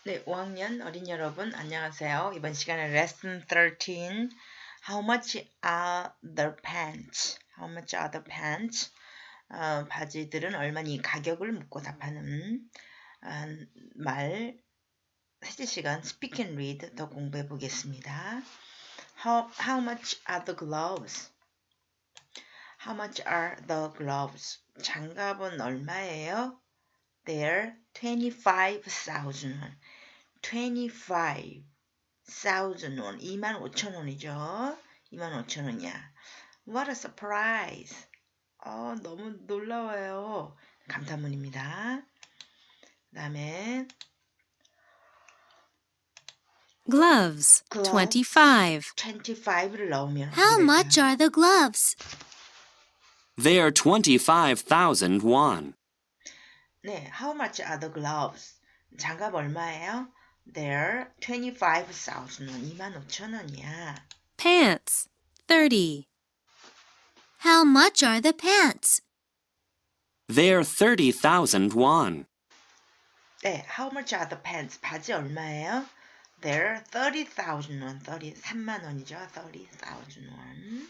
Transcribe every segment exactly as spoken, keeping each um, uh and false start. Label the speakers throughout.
Speaker 1: 네, 오 학년 어린 여러분 안녕하세요. 이번 시간에 레슨 thirteen How much are the pants? How much are the pants? 어, 바지들은 얼마니 가격을 묻고 답하는 어, 말 세제 시간 Speak and Read 더 공부해 보겠습니다. How, how much are the gloves? How much are the gloves? 장갑은 얼마예요? They're twenty-five thousand won. twenty-five thousand won. 이만 오천 원이죠. 이만 오천 원이야. What a surprise. 어, 너무 놀라워요. 감탄문입니다. 그 다음에
Speaker 2: Gloves,
Speaker 1: glove,
Speaker 2: twenty-five.
Speaker 1: twenty-five를 넣으면
Speaker 2: How
Speaker 1: 어떻게
Speaker 2: much
Speaker 1: 될까요?
Speaker 2: are the gloves?
Speaker 3: They are twenty-five thousand won.
Speaker 1: 네, how much are the gloves? 장갑 얼마예요? They're twenty-five thousand won. 이만 오천 원이야.
Speaker 2: Pants, thirty. How much are the pants?
Speaker 3: They are thirty thousand won.
Speaker 1: 네, how much are the pants? 바지 얼마예요? They're thirty thousand won. thirty, 삼만 원이죠. thirty thousand won.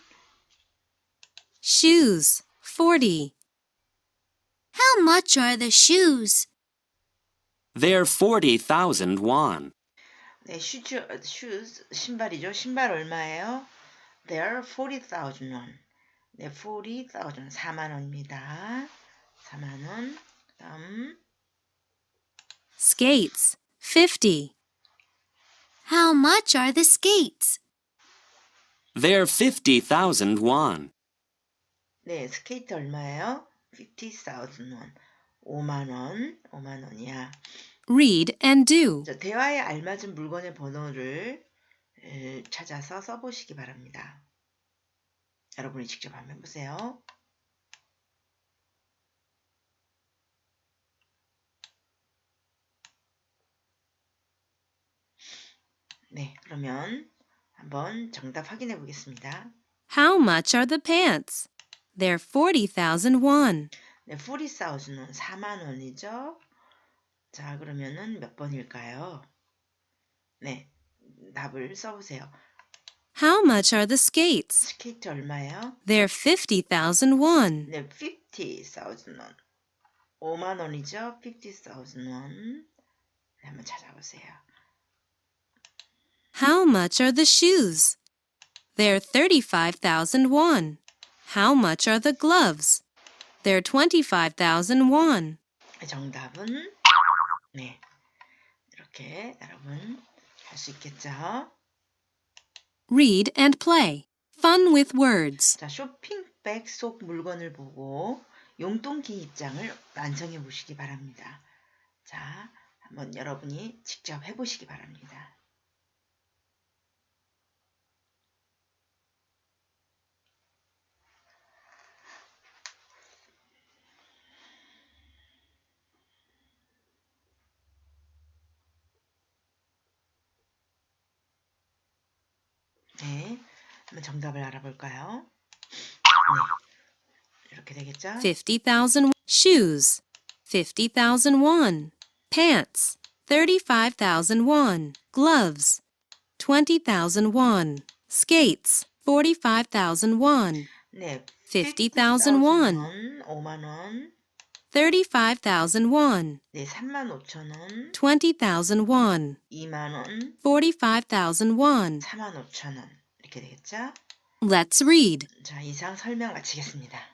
Speaker 2: Shoes, forty. How much are the shoes?
Speaker 3: They are forty thousand won.
Speaker 1: 네, shoes, shoes, 신발이죠. 신발 얼마예요? They're forty thousand won. 네, forty thousand, 사만 원입니다. 사만 원. 다음.
Speaker 2: Skates, fifty. How much are the skates?
Speaker 3: They are fifty thousand won.
Speaker 1: 네, 스케이트 얼마예요? fifty thousand won. 오만 원. 오만 원이야.
Speaker 2: Read and do.
Speaker 1: 자, 대화에 알맞은 물건의 번호를 에, 찾아서 써보시기 바랍니다. 여러분이 직접 한번 해보세요. 네, 그러면 한번 정답 확인해 보겠습니다.
Speaker 2: How much are the pants? They're forty thousand won.
Speaker 1: 네, forty thousand won, 사만 원이죠. 자, 그러면은 몇 번일까요? 네, 답을 써보세요.
Speaker 2: How much are the skates?
Speaker 1: 스케이트 얼마예요?
Speaker 2: They're fifty thousand won.
Speaker 1: 네, fifty thousand won. 오만 원이죠. fifty thousand won. 네, 한번 찾아보세요.
Speaker 2: How much are the shoes? They're thirty-five thousand won. How much are the gloves? They're twenty-five thousand won.
Speaker 1: 정답은 네, 이렇게 여러분 할 수 있겠죠?
Speaker 2: Read and play. Fun with words.
Speaker 1: 자, 쇼핑백 속 물건을 보고 용돈기 입장을 완성해 보시기 바랍니다. 자, 한번 여러분이 직접 해보시기 바랍니다. 네, 한번 정답을 알아볼까요? 네, 이렇게 되겠죠?
Speaker 2: fifty thousand shoes. fifty thousand won. Pants. thirty-five thousand won. Gloves. twenty thousand won. Skates. forty-five thousand won.
Speaker 1: 네,
Speaker 2: fifty thousand won.
Speaker 1: 오만 원.
Speaker 2: thirty-five thousand won.
Speaker 1: 네, 삼만 오천 원.
Speaker 2: twenty thousand won.
Speaker 1: 이만 원.
Speaker 2: forty-five thousand won.
Speaker 1: 사만 오천 원. 이렇게 되겠죠?
Speaker 2: Let's read.
Speaker 1: 자, 이상 설명 마치겠습니다.